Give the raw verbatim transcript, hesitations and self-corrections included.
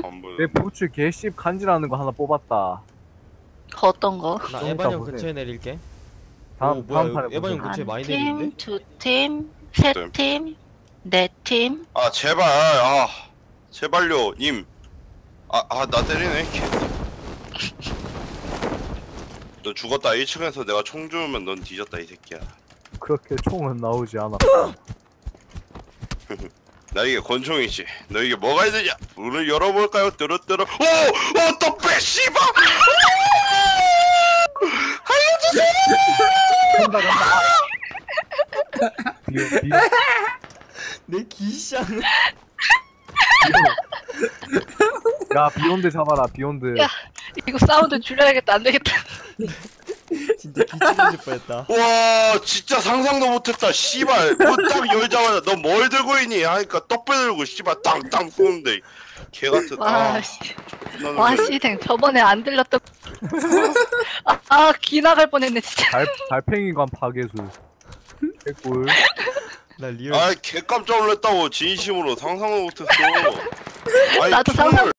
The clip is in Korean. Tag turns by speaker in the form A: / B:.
A: 안 보여.
B: 내 부츠 개씹 간지라는 거 하나 뽑았다.
C: 어떤 거?
D: 나
B: 좀
D: 에반
B: 이따
D: 형
B: 보세요.
D: 근처에 내릴게.
B: 다음
D: 오, 뭐야,
B: 다음 판에
D: 에반 형
B: 보자.
D: 근처에 많이
C: 한 팀,
D: 내리는데?
C: 두 팀, 세
A: 네.
C: 팀, 네 팀.
A: 아 제발 아 제발요 님. 아 아 나 때리네. 개. 너 죽었다. 일 층에서 내가 총 주면 넌 뒤졌다 이 새끼야.
B: 그렇게 총은 나오지 않아.
A: 나에게 권총이지. 너에게 뭐가 있느냐? 문을 열어볼까요? 뚜루뚜루. 오! 오! 또 빼! 씨발!
B: 간다 간다. 비오 비오
D: 내 기샹.
B: 야 비욘드 잡아라 비욘드.
C: 야. 이거 사운드 줄여야겠다. 안 되겠다.
D: 진짜 기침해질 뻔했다.
A: 와 진짜 상상도 못했다. 씨발 문 딱 열자마자 너 뭘 들고 있니? 하니까 떡배 들고 씨발 땅땅 쏘는데 개같은.
C: 와,
A: 아,
C: 씨.
A: 나는
C: 와,
A: 그래.
C: 씨댕. 저번에 안 들렸던. 아, 아, 기 나갈 뻔했네, 진짜.
B: 달 달팽이관 파괴수. 개꿀.
D: 나 리얼
A: 아 개 깜짝 놀랐다고 진심으로 상상도 못했어. 아니,
C: 나도
A: 총을
C: 상상